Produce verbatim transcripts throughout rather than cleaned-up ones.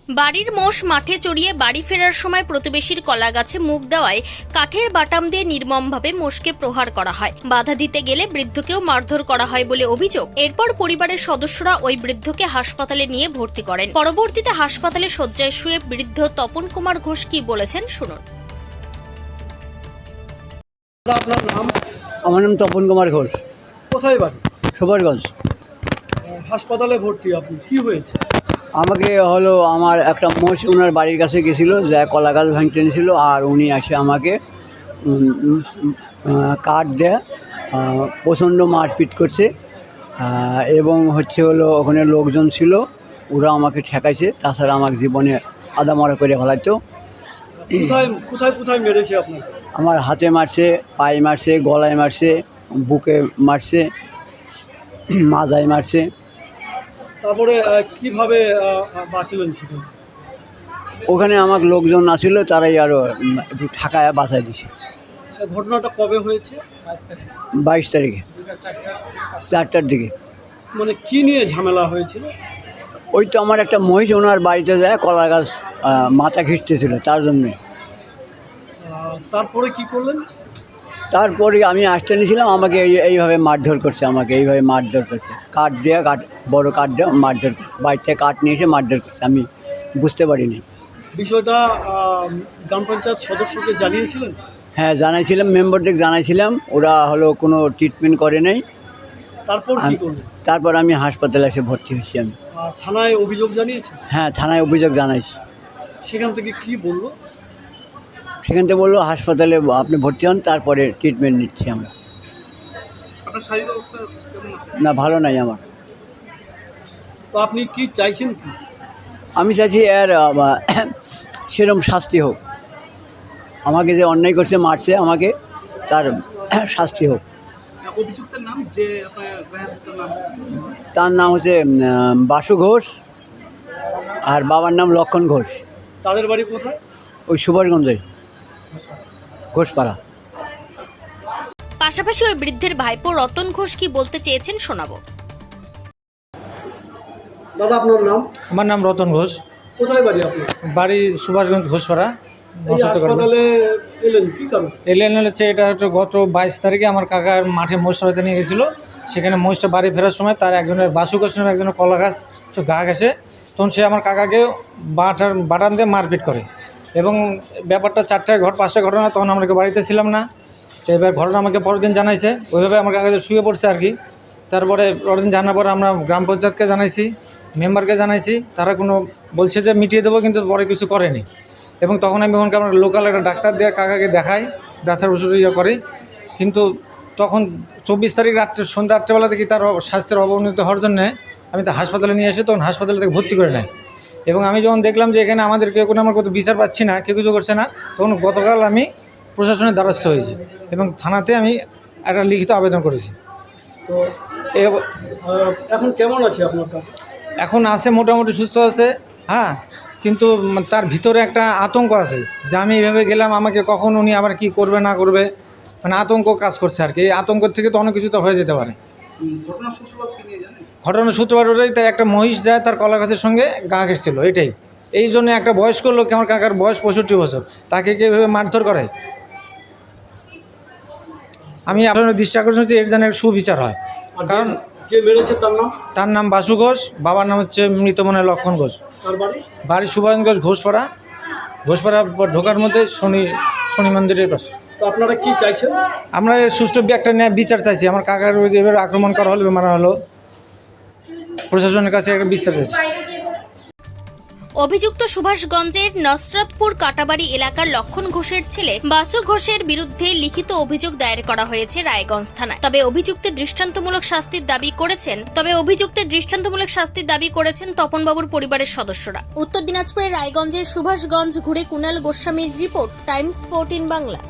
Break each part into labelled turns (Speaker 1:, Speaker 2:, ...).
Speaker 1: বাড়ির মোষ মাঠে চড়িয়ে বাড়ি ফেরার সময় প্রতিবেশীর কলা গাছে মুখ দেওয়ায় কাঠের বাটাম দিয়ে নির্মমভাবে মোষকে প্রহার করা হয়। বাধা দিতে গেলে বৃদ্ধকেও মারধর করা হয় বলে অভিযোগ। এরপর পরিবারের সদস্যরা ওই বৃদ্ধকে হাসপাতালে নিয়ে ভর্তি করেন। পরবর্তীতে হাসপাতালে শয্যায় শুয়ে বৃদ্ধ তপন কুমার ঘোষ কি বলেছেন শুনুন।
Speaker 2: আপনার নাম?
Speaker 3: আমার নাম তপন কুমার ঘোষ।
Speaker 2: কোথায় বাড়ি?
Speaker 3: সুভাষগঞ্জ।
Speaker 2: হাসপাতালে ভর্তি, আপনি কি হয়েছে?
Speaker 3: আমাকে হলো আমার একটা মোষ ওনার বাড়ির কাছে গেছিলো, যা কলা গাছ ভাঙতে নিয়েছিল, আর উনি এসে আমাকে উম, উম, আহ, কাঠ দেয়া আহ, প্রচণ্ড মারপিট করছে। আহ, এবং হচ্ছে হলো ওখানে লোকজন ছিল, ওরা আমাকে ঠেকাইছে। তাছাড়া আমার জীবনে আদা মরা করে ফেলাইতো।
Speaker 2: কোথায় কোথায় কোথায় মেরেছে আপনাকে?
Speaker 3: আমার হাতে মারছে, পায়ে মারছে, গলায় মারছে, বুকে মারছে, মাজায় মারছে।
Speaker 2: তারপরে আহ, কিভাবে আহ, বাঁচলেন সেখান থেকে?
Speaker 3: ওখানে আমার লোকজন আছিল, তারাই আরও একটু ঠাকায় বাঁচাই দিছে।
Speaker 2: এই ঘটনাটা কবে হয়েছে?
Speaker 3: বাইশ তারিখে চারটার দিকে।
Speaker 2: মানে কি নিয়ে ঝামেলা হয়েছিল?
Speaker 3: ওই তো আমার একটা মহিষ ওনার বাড়িতে যায় কলা গাছ আহ, মাথা খিঁচতেছিল, তার জন্যে।
Speaker 2: আহ, তারপরে কি করলেন?
Speaker 3: তারপরে আমি আসতে নিয়েছিলাম, আমাকে এই এইভাবে মারধর করছে, আমাকে এইভাবে মারধর করছে, কাঠ দেওয়া, কাঠ বড় কাঠ দেওয়া মারধর করছে। বাড়িতে কাঠ নিয়ে এসে মারধর করছে, আমি বুঝতে পারিনি।
Speaker 2: বিষয়টা আহ, গ্রাম পঞ্চায়েত সদস্যকে জানিয়েছিলেন?
Speaker 3: হ্যাঁ, জানাইছিলাম, মেম্বারদের জানাইছিলাম, ওরা হলো কোনো ট্রিটমেন্ট করে নাই।
Speaker 2: তারপর কি করলেন?
Speaker 3: তারপর আমি হাসপাতালে এসে ভর্তি হয়েছি আমি।
Speaker 2: আর থানায় অভিযোগ জানিয়েছেন?
Speaker 3: হ্যাঁ, থানায় অভিযোগ জানাইছি।
Speaker 2: সেখান থেকে কি বললো?
Speaker 3: সেখান থেকে বললো হাসপাতালে আপনি ভর্তি হন, তারপরে ট্রিটমেন্ট নিচ্ছি আমরা।
Speaker 2: আপনার শারীরিক অবস্থা কেমন আছে?
Speaker 3: না, ভালো নাই আমার।
Speaker 2: তো আপনি কি চাইছেন কি?
Speaker 3: আমি চাইছি এর আহ, সেরকম শাস্তি হোক। আমাকে যে অন্যায় করছে, মারছে আমাকে, তার শাস্তি হোক।
Speaker 2: অভিযুক্তের নাম যে আপনার নাম?
Speaker 3: তার নাম হচ্ছে উম, বাসু ঘোষ, আর বাবার নাম লক্ষণ ঘোষ।
Speaker 2: তাদের বাড়ি কোথায়?
Speaker 3: ওই সুভাষগঞ্জে, ঘোষপাড়া।
Speaker 1: পাশাপাশি ওই বৃদ্ধের ভাইপো রতন ঘোষ কি বলতে চেয়েছেন শোনাবো।
Speaker 2: দাদা আপনার নাম?
Speaker 4: আমার নাম রতন ঘোষ।
Speaker 2: কোথায় বাড়ি আপনার?
Speaker 4: বাড়ি সুভাষগঞ্জ ঘোষপাড়া।
Speaker 2: এই হাসপাতালে এলেন কি কারণ?
Speaker 4: এলেন হচ্ছে এটা হচ্ছে গত বাইশ তারিখে আমার কাকার মাঠে মোষ চড়াতে নিয়ে গেছিলো। সেখানে মোষটা বাড়ি ফেরার সময় তার একজনের বাসু ঘোষ নামে একজনের কলা গাছ গা ঘেঁষে, তখন সে আমার কাকাকে বাটার বাটান দিয়ে মারপিট করে। এবং ব্যাপারটা চারটায় ঘট পাঁচটায় ঘটনা, তখন আমরা বাড়িতে ছিলাম না। তো এবার ঘটনা আমাকে পরের দিন জানাইছে, ওইভাবে আমার কাকাকে শুয়ে পড়ছে আর কি। তারপরে পরের দিন জানার পর আমরা গ্রাম পঞ্চায়েতকে জানাইছি, মেম্বারকে জানাইছি, তারা কোনো বলছে যে মিটিয়ে দেবো, কিন্তু পরে কিছু করেনি। এবং তখন আমি ওখানকে আমরা লোকাল একটা ডাক্তার দিয়ে কাকাকে দেখাই, ব্যথার ওষুধ ইয়ে করি। কিন্তু তখন চব্বিশ তারিখ রাত্রে সন্ধ্যা রাত্রেবেলা দেখি তার স্বাস্থ্যের অবনতি হওয়ার জন্যে আমি তো হাসপাতালে নিয়ে এসে তখন হাসপাতালে থেকে ভর্তি করে নেয়। এবং আমি যখন দেখলাম যে এখানে আমাদের কেউ কোনো আমার কত বিচার পাচ্ছি না, কেউ কিছু করছে না, তখন গতকাল আমি প্রশাসনের দ্বারস্থ হয়েছি এবং থানাতে আমি একটা লিখিত আবেদন করেছি।
Speaker 2: তো এখন কেমন আছে আপনার কাকা?
Speaker 4: এখন আছে, মোটামুটি সুস্থ আছে। হ্যাঁ, কিন্তু তার ভিতরে একটা আতঙ্ক আছে যে আমি এইভাবে গেলাম, আমাকে কখন উনি আবার কি করবে না করবে, মানে আতঙ্ক কাজ করছে আর কি। এই আতঙ্কের থেকে তো অনেক কিছু তো হয়ে যেতে পারে।
Speaker 2: ঘটনার সূত্রপাত কি নিয়ে জানেন?
Speaker 4: ঘটনার সূত্রপাত ওটাই, তাই একটা মহিষ যায় তার কলা গাছের সঙ্গে গা ঘেঁষছিল, এটাই। এই জন্য একটা বয়স্ক লোক, আমার কাকার বয়স পঁয়ষট্টি বছর, তাকে কি এভাবে মারধর করে? আমি আপনার দৃষ্টি আকর্ষণ হচ্ছে এর যেন সুবিচার হয়। কারণ
Speaker 2: যে মেরেছে তার নাম?
Speaker 4: তার নাম বাসু ঘোষ, বাবার নাম হচ্ছে মৃত মনে লক্ষণ ঘোষ।
Speaker 2: তার বাড়ি?
Speaker 4: বাড়ি সুভাষগঞ্জ ঘোষপাড়া। ঘোষপাড়া ঢোকার মধ্যে শনি শনি মন্দিরের পাশে।
Speaker 2: তো আপনারা কি চাইছেন?
Speaker 4: আমরা সুষ্ঠু একটা ন্যায় বিচার চাইছি। আমার কাকার ওই যে এবার আক্রমণ করা হলো, মারা হলো, প্রশাসনের কাছে একটা বিস্তার চাইছি।
Speaker 1: অভিযুক্ত সুভাষগঞ্জের নসরতপুর কাটাবাড়ি এলাকার লক্ষণ ঘোষের ছেলে বাসু ঘোষের বিরুদ্ধে লিখিত অভিযোগ দায়ের করা হয়েছে রায়গঞ্জ থানায়। তবে অভিযুক্তের দৃষ্টান্তমূলক শাস্তির দাবি করেছেন তবে অভিযুক্তের দৃষ্টান্তমূলক শাস্তির দাবি করেছেন তপনবাবুর পরিবারের সদস্যরা। উত্তর দিনাজপুরের রায়গঞ্জের সুভাষগঞ্জ ঘুরে কুণাল গোস্বামীর রিপোর্ট, টাইমস ফোরটিন বাংলা।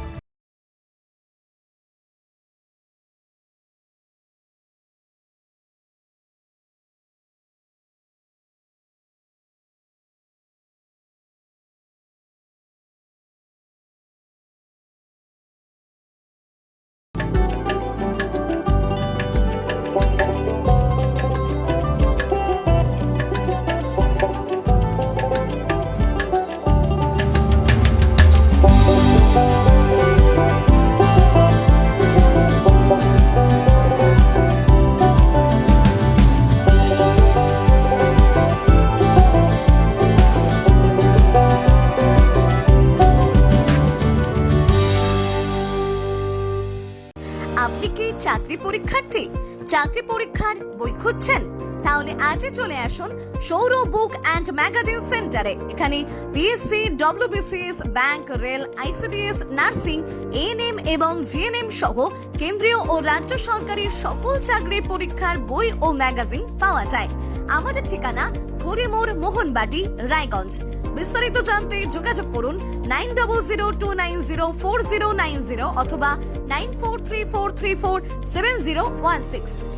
Speaker 5: পরীক্ষার্থী, চাকরি পরীক্ষার বই খুঁজছেন? তাহলে আজই চলে আসুন সৌর বুক অ্যান্ড ম্যাগাজিন সেন্টারে। এখানে BSc, WBCS, bank, rail, ICDS, nursing, ANM এবং জিএনএম সহ কেন্দ্রীয় ও রাজ্য সরকারি সকল চাকরির পরীক্ষার বই ও ম্যাগাজিন পাওয়া যায়। আমাদের ঠিকানা ঘড়িমোড়, মোহনবাটি, রায়গঞ্জ। বিস্তারিত জানতে যোগাযোগ করুন nine double zero two nine zero four zero nine zero অথবা nine four three four three four seven zero one six.